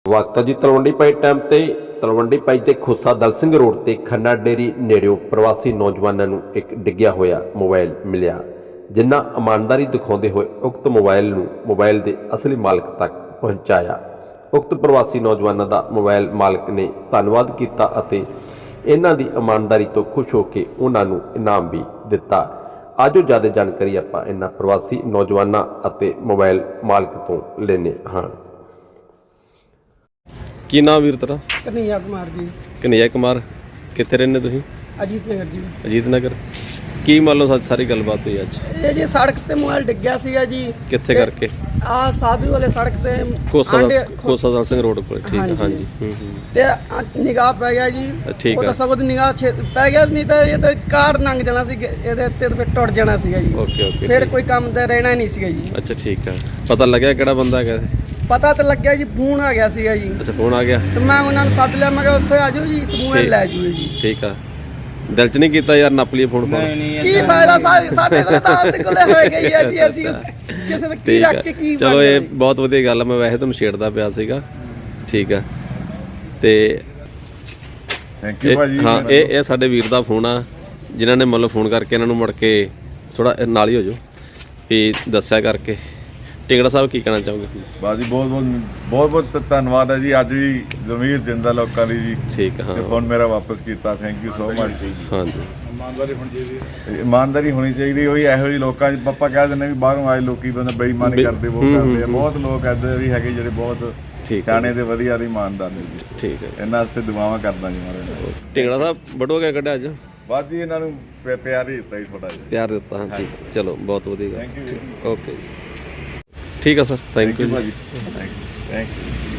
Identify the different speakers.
Speaker 1: ਵਕਤ ਜੀ ਤਲਵੰਡੀ ਪਾਈ ਟਾਈਮ ਤੇ ਤਲਵੰਡੀ ਪਾਈ ਤੇ ਖੋਸਾ ਦਲ ਸਿੰਘ ਰੋਡ ਤੇ ਖੰਨਾ ਡੇਰੀ ਨੇੜਿਓਂ ਪ੍ਰਵਾਸੀ ਨੌਜਵਾਨਾਂ ਨੂੰ ਇੱਕ ਡਿੱਗਿਆ ਹੋਇਆ ਮੋਬਾਈਲ ਮਿਲਿਆ, ਜਿਨ੍ਹਾਂ ਇਮਾਨਦਾਰੀ ਦਿਖਾਉਂਦੇ ਹੋਏ ਉਕਤ ਮੋਬਾਈਲ ਨੂੰ ਮੋਬਾਈਲ ਦੇ ਅਸਲੀ ਮਾਲਕ ਤੱਕ ਪਹੁੰਚਾਇਆ। ਉਕਤ ਪ੍ਰਵਾਸੀ ਨੌਜਵਾਨਾਂ ਦਾ ਮੋਬਾਈਲ ਮਾਲਕ ਨੇ ਧੰਨਵਾਦ ਕੀਤਾ ਅਤੇ ਇਹਨਾਂ ਦੀ ਇਮਾਨਦਾਰੀ ਤੋਂ ਖੁਸ਼ ਹੋ ਕੇ ਉਹਨਾਂ ਨੂੰ ਇਨਾਮ ਵੀ ਦਿੱਤਾ। ਆਜੋ ਜ਼ਿਆਦਾ ਜਾਣਕਾਰੀ ਆਪਾਂ ਇਹਨਾਂ ਪ੍ਰਵਾਸੀ ਨੌਜਵਾਨਾਂ ਅਤੇ ਮੋਬਾਈਲ ਮਾਲਕ ਤੋਂ ਲੈਂਦੇ ਹਾਂ। ਕੀ ਨਾਮ ਵੀਰ ਤੇਰਾ?
Speaker 2: कन्हैया कुमार जी।
Speaker 1: कन्हैया कुमार, कितने रहने तुसीं?
Speaker 2: अजीत नगर जी।
Speaker 1: अजीत नगर। की मान लो सारी गलबात हुई अज?
Speaker 2: ये जी सड़क ते मोबाइल डिग गया सीगा जी।
Speaker 1: कित्थे करके?
Speaker 2: आ साधु वाले सड़क ते
Speaker 1: खोसा दल सिंह रोड पर। ठीक है, हाँ जी।
Speaker 2: ते निगाह पै गया जी।
Speaker 1: ठीक है।
Speaker 2: ਉਹ ਤਾਂ ਸਗੋਂ ਨਿਗਾਹ ਪੈ ਗਿਆ, ਨਹੀਂ ਤਾਂ ਇਹ ਤਾਂ ਕਾਰ ਲੰਘ ਜਾਣਾ ਸੀ, ਇਹਦੇ ਤੇ ਫਿਰ ਟੁੱਟ ਜਾਣਾ ਸੀਗਾ ਜੀ।
Speaker 1: Okay okay.
Speaker 2: ਫਿਰ ਕੋਈ ਕੰਮ ਤੇ ਰਹਿਣਾ ਨਹੀਂ ਸੀਗਾ ਜੀ।
Speaker 1: अच्छा ठीक है। पता लग्या किहड़ा बंदा है?
Speaker 2: ਪਤਾ ਤਾਂ ਲੱਗਿਆ ਜੀ, ਫੋਨ ਆ ਗਿਆ ਸੀਗਾ ਜੀ।
Speaker 1: अच्छा फोन आ गया।
Speaker 2: ਤੇ ਮੈਂ ਉਹਨਾਂ ਨੂੰ ਸੱਦ ਲਿਆ, ਮੈਂ ਕਿਹਾ ਉੱਥੇ ਆ ਜਾਓ ਜੀ, ਮੋਬਾਈਲ ਲੈ ਜਾਓ ਜੀ।
Speaker 1: ठीक है। ਦਿਲ ਚ ਨਹੀਂ ਕੀਤਾ ਯਾਰ ਨੱਪ ਲਈਏ ਫੋਨ?
Speaker 2: ਕੀ ਫਾਇਦਾ, ਸਾਡੇ ਕੋਲ ਤਾਂ ਆਪਦੇ ਕੋਲੇ ਹੋਏ ਗਈ ਹੈ ਜੀ, ਅਸੀਂ ਕਿਸੇ ਦਾ ਕੀ ਰੱਖ ਕੇ ਕੀ।
Speaker 1: ਚਲੋ ਇਹ ਬਹੁਤ ਵਧੀਆ ਗੱਲ ਆ, ਮੈਂ ਵੈਸੇ ਤੁਹਾਨੂੰ ਛੇੜਦਾ ਪਿਆ ਸੀਗਾ। ਠੀਕ ਆ ਤੇ
Speaker 3: ਥੈਂਕ ਯੂ ਭਾਜੀ।
Speaker 1: ਹਾਂ, ਇਹ ਸਾਡੇ ਵੀਰ ਦਾ ਫੋਨ ਆ, ਜਿਨ੍ਹਾਂ ਨੇ ਮਤਲਬ ਫੋਨ ਕਰਕੇ ਇਹਨਾਂ ਨੂੰ ਮੁੜ ਕੇ ਥੋੜਾ ਨਾਲ ਹੀ ਹੋ ਜਾਓ ਵੀ ਦੱਸਿਆ ਕਰਕੇ। ਟਿੰਗੜਾ ਸਾਹਿਬ ਕੀ ਕਹਿਣਾ ਚਾਹੋਗੇ?
Speaker 3: ਬਸ ਜੀ ਬਹੁਤ ਧੰਨਵਾਦ ਹੈ ਜੀ। ਅੱਜ ਵੀ ਜ਼ਮੀਰ ਜਿੰਦਾ ਲੋਕਾਂ ਦੀ ਜੀ।
Speaker 1: ਠੀਕ ਹੈ। ਹਾਂ,
Speaker 3: ਫੋਨ ਮੇਰਾ ਵਾਪਸ ਕੀਤਾ, ਥੈਂਕ ਯੂ ਸੋ ਮਚ।
Speaker 1: ਹਾਂਜੀ,
Speaker 3: ਇਮਾਨਦਾਰੀ ਹੋਣੀ ਚਾਹੀਦੀ। ਉਹੀ ਇਹੋ ਜਿਹੇ ਲੋਕਾਂ 'ਚ ਪਾਪਾ ਕਹਿ ਦਿੰਦੇ ਵੀ ਬਾਹਰੋਂ ਆਏ ਲੋਕੀ ਬੰਦੇ ਬੇਈਮਾਨੀ ਕਰਦੇ, ਉਹ ਕਰਦੇ ਆ। ਬਹੁਤ ਲੋਕ ਇੱਦਾਂ ਵੀ ਹੈਗੇ ਜਿਹੜੇ ਬਹੁਤ ਸਿਆਣੇ ਤੇ ਵਧੀਆ ਤੇ ਇਮਾਨਦਾਰ ਨੇ ਜੀ।
Speaker 1: ਠੀਕ ਹੈ।
Speaker 3: ਇਹਨਾਂ ਵਾਸਤੇ ਦੁਆਵਾਂ ਕਰਦਾ ਜੀ ਮਾਰੇ।
Speaker 1: ਟਿੰਗੜਾ ਸਾਹਿਬ ਬੜੋ ਕਿਆ ਕੱਢਿਆ ਅੱਜ?
Speaker 3: ਬਸ ਜੀ ਇਹਨਾਂ ਨੂੰ ਪਿਆਰ ਹੀ ਦਿੱਤਾ ਜੀ ਥੋੜਾ ਜਿਹਾ।
Speaker 1: ਪਿਆਰ ਦਿੱਤਾ। ਹਾਂ ਠੀਕ, ਚਲੋ ਬਹੁਤ ਵਧੀਆ।
Speaker 3: Thank you.
Speaker 1: ਓਕੇ, ਠੀਕ ਆ ਸਰ, ਥੈਂਕ ਯੂ
Speaker 3: ਭਾਜੀ, ਥੈਂਕ ਯੂ।